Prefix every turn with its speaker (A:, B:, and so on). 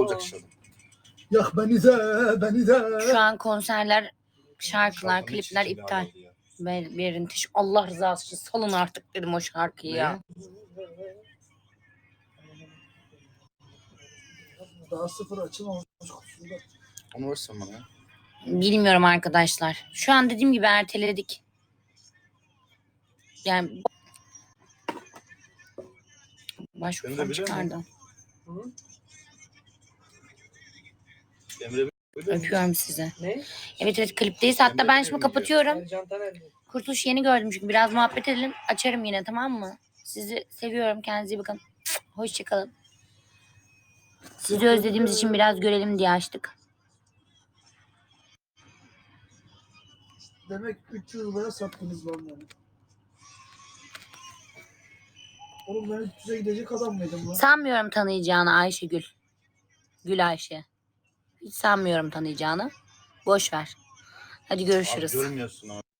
A: olacak inşallah.
B: Yak beni de.
C: Şu an konserler, şarkılar, klipler iptal. Verin Allah rızası için salın artık dedim o şarkıyı ya.
B: Daha sıfır açılmamış.
A: Onu versen bana ya.
C: Bilmiyorum arkadaşlar. Şu an dediğim gibi erteledik. Yani başvursam çıkardı.
A: Emre
C: Öpüyorum sizi.
D: Ne?
C: Evet klipteyiz. Hatta ben şimdi kapatıyorum.
D: Ercan nerede?
C: Kurtuluş yeni gördüm çünkü biraz muhabbet edelim. Açarım yine, tamam mı? Sizi seviyorum. Kendinize iyi bakın. Hoşçakalın. Sizi özlediğimiz için biraz görelim diye açtık.
B: Demek 300 liraya sattınız lan yani. Oğlum ben 300'e gidecek adam mıydım lan?
C: Sanmıyorum tanıyacağını Ayşegül. Gül Ayşe. Hiç sanmıyorum tanıyacağını. Boş ver. Hadi görüşürüz.
A: Abi görmüyorsun abi.